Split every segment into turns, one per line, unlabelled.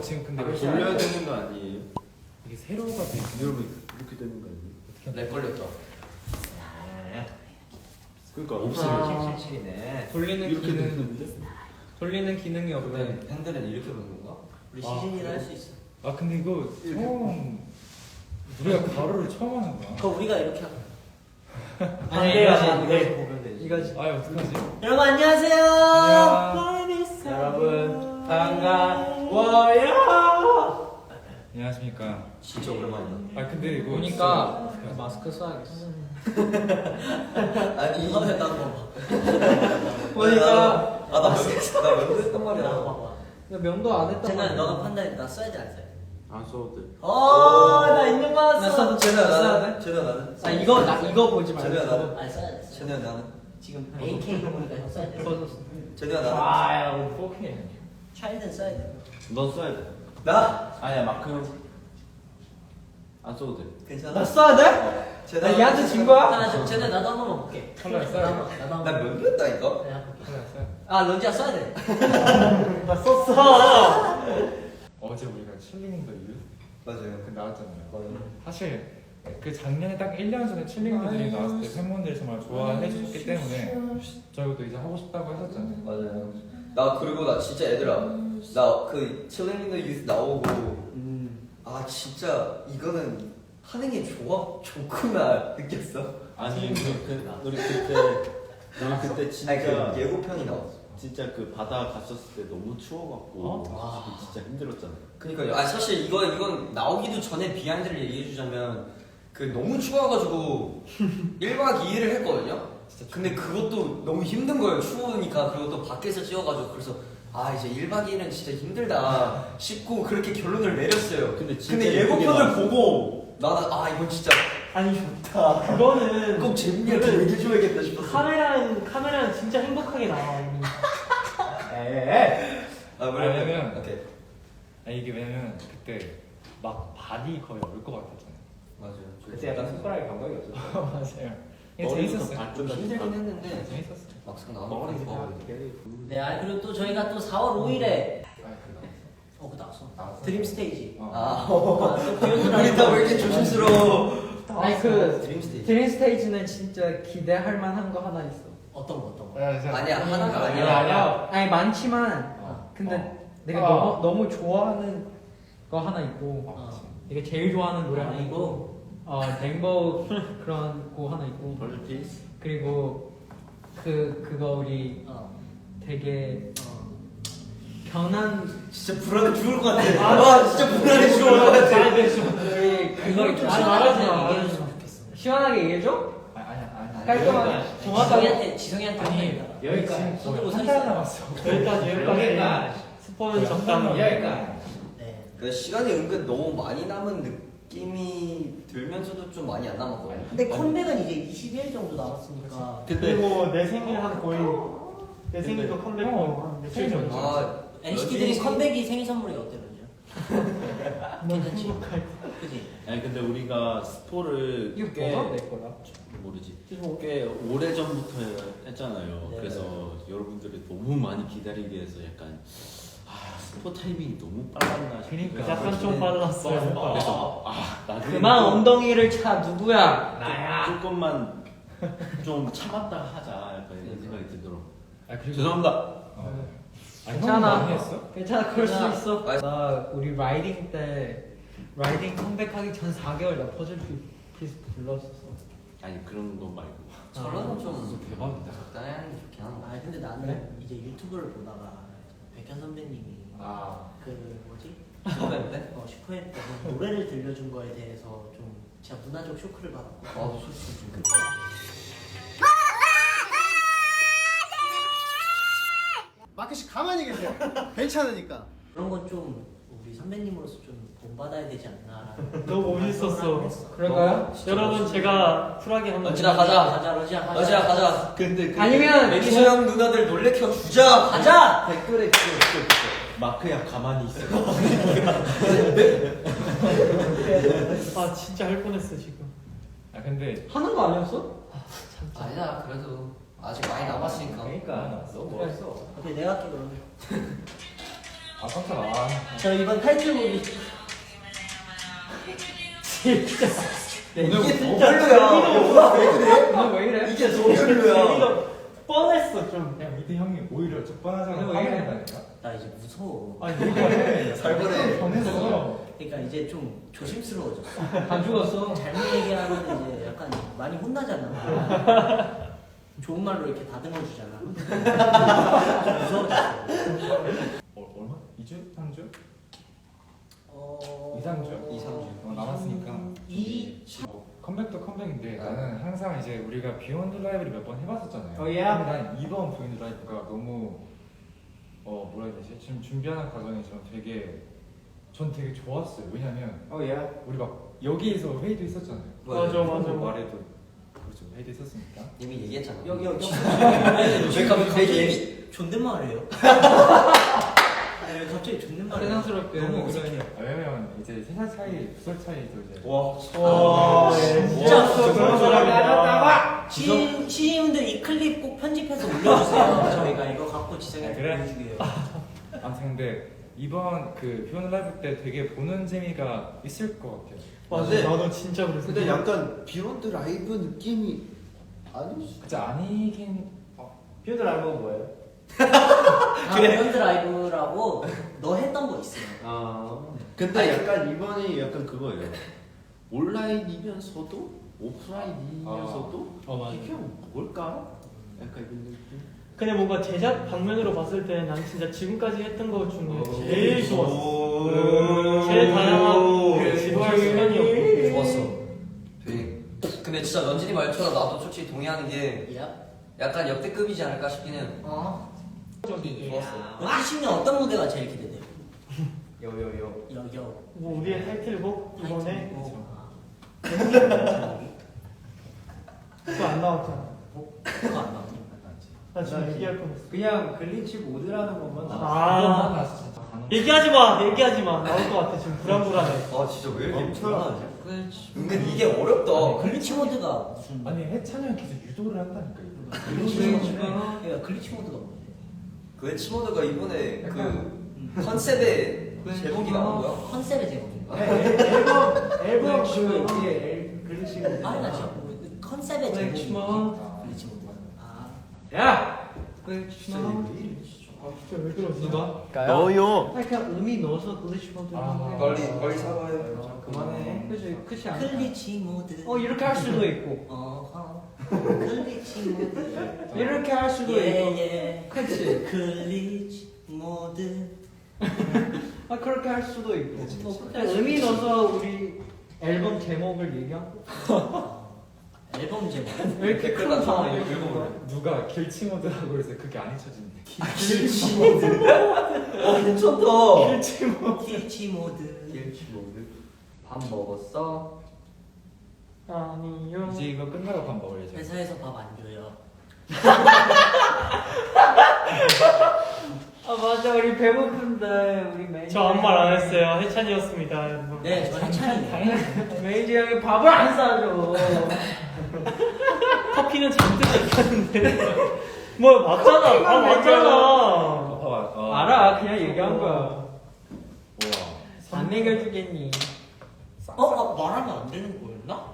지금 근데
돌려야 되는 거 아니에요?
이게 세로가 돼 있어.
여러분 이렇게 되는 거 아니에요?
렉 걸렸다.
그러니까
없으면 칠칠이네.
돌리는
이렇게
기능
되는데?
돌리는 기능이 없네.
팬들은 이렇게 보는 건가? 우리 시즌이라 할 수 있어.
아 근데 이거 처음 우리가 가로를 처음 하는 거야.
그거 우리가 이렇게 하고.
이거지.
보면 되지.
이거지. 아 어떡하지?
여러분 안녕하세요.
여러분
반가워요.
안녕하십니까.
진짜 오랜만이야.
아 근데 이거
보니까
진짜
마스크 써야겠어.
아니
이번에 나도 봐봐.
보니까 나 면도 했단
나도
말이야.
봐봐. 나 명도 안 했단 말이야.
쟤는 너가 판단해. 나 써야 돼 안 써야 돼?
안 써도 돼.
나 인증 받았어.
나 써도 쟤는 나는. 쟤는 나는.
아 이거 보지 말고.
쟤는 나는.
아 써야 돼.
쟤는 나는.
지금 AK 보니까 형 써야 돼.
쟤는 나는.
아야 4K. 차일드는 써야 돼.
넌 써야 돼.
나?
아니야 마크 형. 안 써도 돼.
괜찮아.
나 써야 돼? 나 얘한테 진 거야? 쟤네 나도 한 번만 볼게.
컬러 써야 돼.
나도 한
나
번.
면도 했다니까.
컬러 써야 돼.
아 런지야 써야 돼. 나 썼어.
어제 우리가 칠링 더 유
맞아요.
그 나왔잖아요.
맞아요.
사실 그 작년에 딱 1년 전에 칠링 더들이 나왔을 때 팬분들이 정말 좋아해 주셨기 때문에 저희도 이제 하고 싶다고 했었잖아요.
맞아요. 나 그리고 나 진짜 얘들아 나 그 칠링 인 더 유스 나오고 아 진짜 이거는 하는 게 좋구나 느꼈어.
아니 우리 그때 진짜
아니 그 예고편이 나왔어.
진짜 그 바다 갔었을 때 너무 추워갖고 진짜 힘들었잖아.
그니까요. 아 사실 이건 나오기도 전에 비하인드를 얘기해주자면 그 너무 추워가지고 1박 2일을 했거든요. 근데 그것도 너무 힘든 거예요. 추우니까 그리고 또 밖에서 찍어가지고 그래서 아 이제 1박 2일은 진짜 힘들다 싶고 그렇게 결론을 내렸어요.
근데 진짜
근데 예고편을 보고 나는 아 이건 진짜
아니 좋다. 그거는
꼭 재밌게 얘기해줘야겠다 싶었어.
카메라는 진짜 행복하게 나와.
아
왜냐면
오케이.
아 이게 왜냐면 그때 막 바디 거의 얼 것 같았잖아요.
맞아요.
그때 약간 손가락에 감각이 없었어.
맞아요. 이게 재밌었어요.
좀 힘들긴 했는데
재밌었어요.
막상 나오니까
네, 아 그리고 또 저희가 또 4월 5일에 그거 나왔어.
나왔어?
드림 스테이지.
어.
우리 다 왜 이렇게 조심스러워?
아니
드림 스테이지.
드림 스테이지는 진짜 기대할 만한 거 하나 있어.
어떤 거?
아니야 하나가
아니야.
아니야.
아니 많지만 근데 내가 너무 좋아하는 거 하나 있고 내가 제일 좋아하는 노래 하나 있고 댕버 그런 거 하나 있고
벌피스.
그리고 그거 우리 되게 변한
진짜 불안해 죽을 것 같아. 아 진짜 불안해 죽을 것 같아.
우리 그거
좀
말하지 마.
얘기해줬으면 좋겠어.
시원하게 얘기해줘?
아니야.
깔끔하게 정확하게
지성이한테
아니 여기까지
손들고 서
한달
있어요.
남았어.
여기까지
스포는
적당히.
여기까지
네.
그 시간이 은근 너무 많이 남은 느낌이 들면서도 좀 많이 안 남았거든요.
근데 컴백은 이제 20일 정도 남았으니까.
그리고 내 생일 한 거의 내 생일도 컴백
생일 전이죠.
아
NCT 드림 컴백이 생일 선물이 어때
너무
괜찮지?
행복할
그지?
아니 근데 우리가 스포를
이거
꽤
뭐가 내 거야?
모르지. 꽤 오래 전부터 했잖아요.
네.
그래서 여러분들이 너무 많이 기다리게 해서 약간 스포 타이밍이 너무 빨랐나 싶어요.
그러니까.
약간 좀 빨랐어요.
그래서 나중에
그만
또
엉덩이를 차 누구야?
조금만 좀 참았다 하자 약간 이런 생각이 들더라고.
아 그리고
죄송합니다.
괜찮아.
많이 했어?
괜찮아 그럴 수
괜찮아.
있어.
아,
나 우리 라이딩 때 라이딩 컴백하기 전 4개월 나 퍼즐 피스 불렀었어.
아니 그런 거 말고.
저런 좀
대박이다.
적당히 하는 게 좋긴 한데.
아 근데 나는 이제 유튜브를 보다가 백현 선배님이 그 뭐지?
슈퍼맨 때?
슈퍼맨 때 노래를 들려준 거에 대해서 좀 진짜 문화적 쇼크를 받았고.
아 솔직히 좀
마크씨 가만히 계세요. 괜찮으니까.
그런 건 좀 우리 선배님으로서 좀 본받아야 되지 않나라는.
너무 멋있었어.
그럴까요?
여러분 제가 쿨하게 한번.
런쥔아 가자.
러지아
러지아 가자. 근데
아니면
매니저형 누나들 놀래켜 주자.
가자.
댓글에 그거 마크야 가만히 있어.
아 진짜 할 뻔했어 지금.
아 근데
하는 거 아니었어?
아니야 그래도 아직 많이 남았으니까.
그러니까 너무
그래.
멋있어.
오케이 내가 할게 그러면.
아 깜짝아.
저 이번 타이틀곡이 진짜
이게 더 별로야. 왜 그래?
오늘 왜 이래?
이게 더 별로야.
재미가 뻔했어 좀.
야 미드 형이 오히려 적반하장을
왜 이래?
하겠다니까.
나 이제 무서워.
아니 이게
잘 보내.
변했어.
그러니까 이제 좀 조심스러워졌어.
안 죽었어.
잘못 얘기하면 이제 약간 많이 혼나잖아. 좋은 말로 이렇게 다듬어 주잖아. 무서워졌어.
얼마? 2주? 3주?
2,
3주?
2, 3주.
남았으니까. 컴백도 컴백인데 나는 항상 이제 우리가 비욘드 라이브를 몇 번 해봤었잖아요.
어, 예.
근데 난 이번 비욘드 라이브가 너무 뭐라 해야 되지? 지금 준비하는 과정이 전 되게 좋았어요. 왜냐면 우리 막 여기에서 회의도 있었잖아요.
맞아.
말해도 그렇죠. 회의도 있었으니까.
이미 얘기했잖아.
여기
왜 갑자기 얘기?
존댓말이에요. 아니 왜 갑자기 존댓말이에요?
세상스럽게
너무
그러니.
왜냐면 이제 3살 차이, 2살 차이도 이제.
와.
진짜
그런 사람이야.
시인분들 이 클립 꼭 편집해서 올려주세요. 저희가 이거 갖고 지성이한테
그래?
보여주게요.
아무튼 근데 이번 그 비욘드 라이브 때 되게 보는 재미가 있을 것 같아요.
맞아.
근데-
나도 진짜 그랬어.
근데 약간 비욘드 라이브 느낌이 아닐 수.
진짜 아니긴.
비욘드 라이브가 뭐예요?
비욘드 라이브라고 너 했던 거 있어요.
근데 약간 이번에 약간 그거예요. 온라인이면서도 오프라인이면서도
맞아.
이게 뭘까? 약간 이런 느낌.
근데 뭔가 제작 방면으로 봤을 때 난 진짜 지금까지 했던 거 중에 제일 좋았어. 제일 다양하고 지루할 시간이 없고.
좋았어. 되게. 근데 진짜 런쥔이 말처럼 나도 솔직히 동의하는 게 약간 역대급이지 않을까 싶긴 해요. 좋았어.
2010년 어떤 무대가 제일 기대돼요?
요요요.
여여.
뭐 우리의 타이틀곡 이번에 그거 안 나왔잖아.
그거 안 나오니?
나 지금 얘기할 뻔했어.
그냥 글리치 모드라는 것만
아.
나왔어 진짜.
얘기하지 마. 나올 것 같아. 지금 불안불안해.
아 진짜 왜 이렇게 불안하지?
글리치.
은근 이게 어렵다.
글리치 모드가 무슨?
아니 해찬이 형 계속 유도를 한다니까 이거.
그러니까 글리치 모드가 뭐지?
그 치모드가 이번에 그 컨셉의 제목이 나온 거야?
컨셉의 제목인가?
앨범 그 위에 글리치.
아니 나 진짜 컨셉의
글리치
제목이
모드.
글리치 모드. 아.
야. 글리치 모드.
아 진짜 왜 그러지?
누가?
너요.
그냥 의미 넣어서 글리치 모드.
빨리 사과해.
그만해.
그치 그치 않아.
클리치 모드.
이렇게 할 수도 있고.
클리치 모드.
이렇게 할 수도 있고.
예.
그치.
클리치 모드.
그렇게 할 수도 있고.
뭐
그냥 의미 넣어서 우리 앨범 제목을 얘기하고.
앨범 제목.
왜 이렇게
댓글
큰
같은 거
상황이
읽어볼래?
누가 길치모드라고 그래서 그게 안 잊혀진대.
괜찮다.
클리치 모드.
밥 먹었어?
아니요.
이제 이거 끝나고 밥 먹을 예정.
회사에서 밥 안 줘요.
맞아 우리 배고픈데 우리 매니저.
저 아무 말 안 했어요. 해찬이었습니다. 여러분.
네, 저 해찬이에요.
매니저 형이 밥을 안 싸줘.
커피는 잔뜩 마셨는데. 뭐 맞잖아. 맞잖아.
봐봐.
알아 그냥 얘기한 거야.
우와.
안 먹여주겠니?
말하면 안 되는 거였나?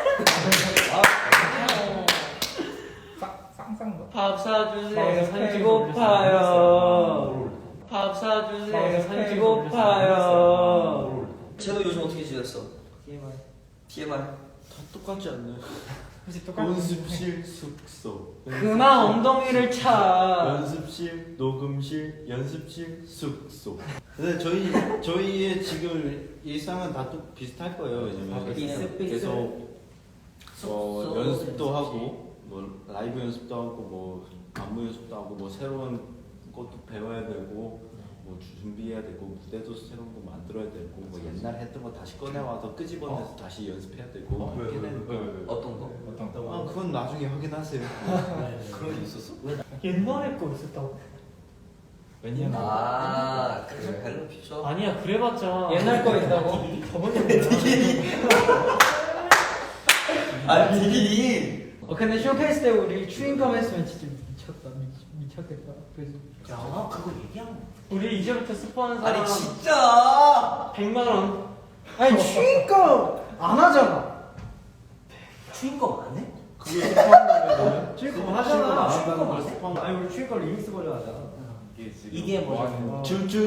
쌍쌍.
밥 사주세요.
네,
배고파요. 밥 사주세요. 배고파요.
쟤도 요즘 어떻게 지냈어? TMI.
다 똑같지 않나요?
혹시 똑같은
연습실, 숙소.
그만 엉덩이를 차.
연습실, 녹음실, 연습실, 숙소. 근데 저희의 지금 일상은 다 또 비슷할 거예요. 왜냐면 계속 연습도 하고 뭐 라이브 연습도 하고 뭐 안무 연습도 하고 뭐 새로운 것도 배워야 되고 뭐 준비해야 되고 무대도 새로운 거 만들어야 되고 뭐 옛날 했던 거 다시 꺼내 와서 끄집어내서 다시 연습해야 되고 이렇게 되니까.
어떤 거?
아 그건 나중에 확인하세요.
그런 게 있었어?
옛날에 거 있었다고.
왜냐면
그 헬로 피처?
아니야 그래봤자
옛날 거 있다고?
저번에
디기니.
근데 쇼케이스 때 우리 추인컴 했으면 진짜 미쳤다. 미쳤겠다. 그래서
야 그거 얘기하면
우리 이제부터 스포하는 사람
아니 진짜
100만 원.
아니 추위가 안 하잖아.
추인거 안 해?
그게 스파는
추위가 하잖아.
안 한다는 걸 스파는
아니 우리 추위가 리믹스 버전 하잖아.
이게 지금
이게
뭐
뭐지?
하는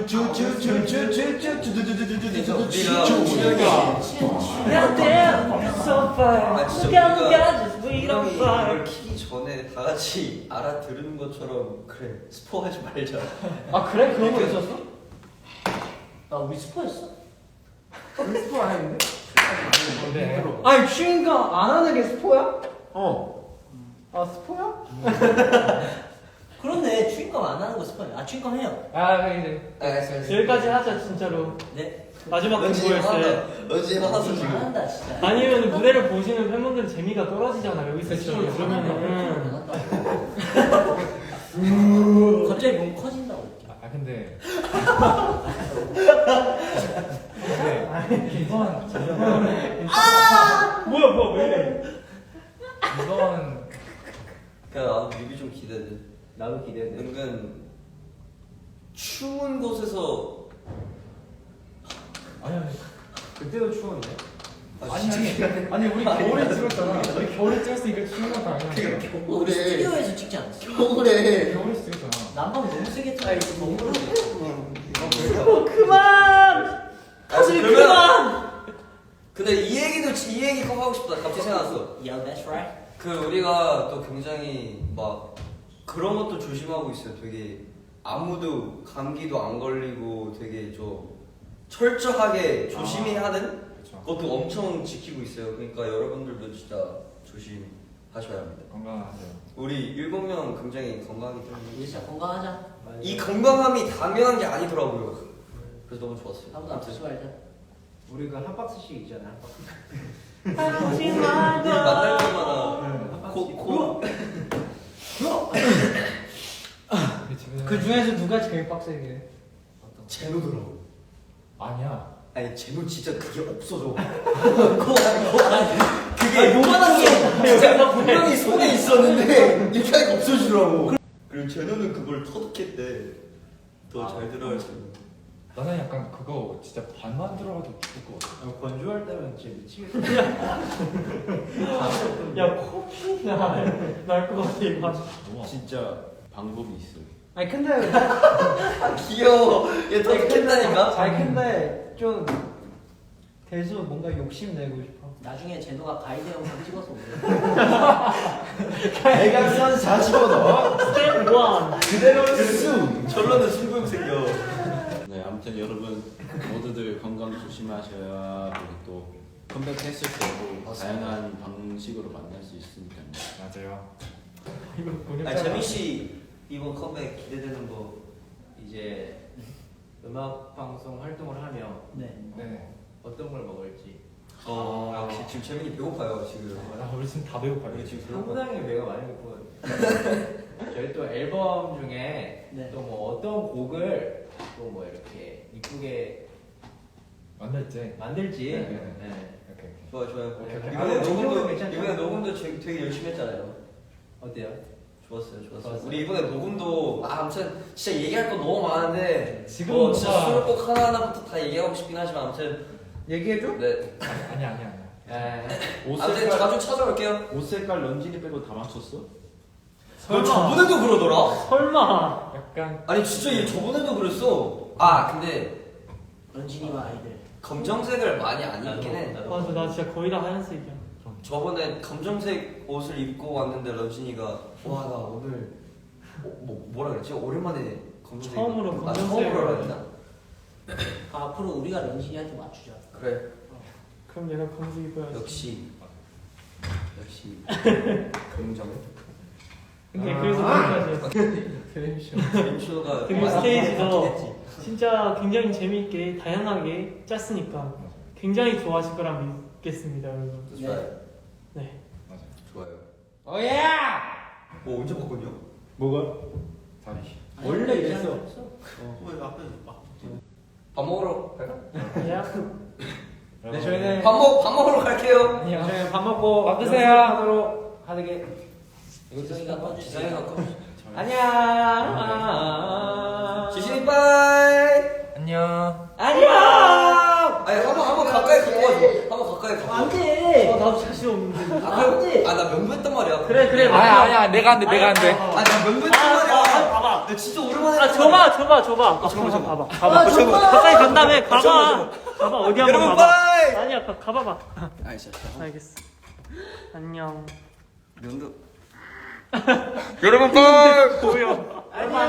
아 진짜 우리가 이걸 키기 전에 다 같이 알아들은 것처럼 그래 스포하지 말자.
아 그래? 그런 거 있었어?
나 우리 스포했어?
스포 안 했는데?
네.
아니 추위가 안 하는 게 스포야? 아 스포야?
그렇네 추인거 안 하는 거 스포야. 아 추인거 해요.
아 이제
알겠어.
여기까지 하자 진짜로.
네.
마지막
런쥔이
공부였어요.
화났다. 런쥔이 화났어 지금.
잘한다 진짜.
아니면 무대를 보시는 팬분들 재미가 떨어지잖아. 여기서 스포를 들으면은.
갑자기 몸 커진다고.
아 근데
뭐야 왜 이래?
이건
그냥 나도 뮤비 좀 기대돼.
나도 기대돼.
은근 추운 곳에서
아니
그때도 추웠네.
아니 우리 겨울에 찍었잖아. 우리 겨울에 찍었으니까 추운 건 당연하지.
우리 스튜디오에서 찍지 않았어?
겨울에
겨울에 찍었잖아.
난방 너무 세게 틀어. 이거 너무
그만. 사실 그만.
근데 이 얘기 꼭 하고 싶다. 갑자기 생각났어.
Yeah, that's right.
그 우리가 또 굉장히 막 그런 것도 조심하고 있어요. 되게 아무도 감기도 안 걸리고 되게 좀 철저하게 조심히 하는
그렇죠.
것도 엄청 지키고 있어요. 그러니까 여러분들도 진짜 조심하셔야 합니다.
건강하세요.
우리 7명 굉장히 건강하기
우리
때문에
진짜 건강하자.
이 건강함이 당연한 게 아니더라고요. 그래서 너무 좋았어요.
아무도 아프지 말자.
우리가 한 박스씩 있잖아. 한 박스.
하지
우리
말고.
만날 때마다 코
그 중에서 누가 제일 빡세게?
제노더라고.
아니야.
아니 제노 진짜 그게 없어져.
그게 요만한 게.
진짜 분명히 손에 있었는데 이렇게 하니까 없어지더라고. 그리고 제노는 그걸 터득했대. 더 잘 들어갈 수 있는.
나는 약간 그거 진짜 반만 들어가도 죽을 것 같아.
건조할 때면 진짜 미치겠다.
야 커피 날것 같아 이거.
너무
진짜 방법이 있어.
아니 근데
귀여워. 얘 터득했다니까.
아니 근데 좀 대수 뭔가 욕심 내고 싶어.
나중에 제노가 가이드 영상 찍어서 올려.
대각선 40원 넣어.
스텝 1.
그대로 쑥.
결론은 승부욕 생겨.
네, 아무튼 여러분 모두들 건강 조심하셔야 그리고 또 컴백했을 때도 다양한 방식으로 만날 수 있으니까.
맞아요.
이거 보냈잖아.
아니 재민 씨 이번 컴백 기대되는 거.
이제 음악 방송 활동을 하며
네.
네.
어떤 걸 먹을지
역시 지금 재민이 배고파요 지금.
우리 지금 다 배고파요.
우리 지금 배고파.
상당히 배가 많이 고프거든요. 저희 또 앨범 중에
네.
또 뭐 어떤 곡을 또 뭐 이렇게 이쁘게
만날지.
만들지.
네.
네.
오케이.
좋아요.
오케이, 오케이.
이번에 녹음도 되게 열심히 했잖아요.
어때요?
좋았어요.
좋았어요.
우리 이번에 녹음도 아무튼 진짜 얘기할 거 너무 많은데
지금
진짜
뭔가-
수록곡 하나하나부터 다 얘기하고 싶긴 하지만 아무튼
얘기해줘?
네.
아니야.
네.
옷
아무튼
색깔
자주 찾아올게요.
옷 색깔 런쥔이 빼고 다 맞췄어?
너 저번에도 그러더라.
설마.
약간
아니 진짜 얘 저번에도 그랬어. 아 근데
런쥔이와 아이들.
검정색을 많이 안 입긴 해.
맞아 나 진짜 거의 다 하얀색이야.
저번에 검정색 옷을 입고 왔는데 런쥔이가 와 나 오늘 뭐라 그랬지? 오랜만에 검정색
처음으로
입고-
검정색을-
처음으로 했나?
앞으로 우리가 런쥔이한테 맞추자.
그래
그럼 얘가 검색 입어야지.
역시 검정
근데 그래서 거기까지.
림쇼가
그리고 스테이지도 진짜 굉장히 재미있게 다양하게 짰으니까 굉장히 좋아하실 거라 믿겠습니다 여러분.
좋아요.
네.
맞아.
좋아요.
오예!
언제 바꿨냐?
뭐가?
다리.
원래 이랬어.
밥 먹으러 갈까?
야.
네 저희는
밥 먹으러 갈게요.
아니요.
저희 밥 먹고
밥 드세요.
하도록 하게.
지성이가 꺼주세요.
기상이가 꺼.
안녕.
지신이 빠이.
안녕.
안녕.
아니 한번 가까이 갖고 와줘. 한번 가까이 갖고 와줘.
안돼.
나도 자신 없는데.
아나 명부했단 말이야.
그래.
아니야 내가 안 돼.
아나 명부했단 말이야.
봐봐.
나 진짜 오랜만에.
줘봐. 봐봐. 가까이 간 다음에 가봐. 어디 한번
여러분
가봐.
빠이.
아니야, 가봐봐.
알겠어.
알겠어. 안녕.
명도.
여러분 빠이.
보여.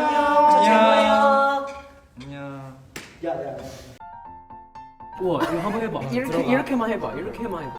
안녕.
야야.
우와, 이거 한번 해봐. 이렇게만 해봐.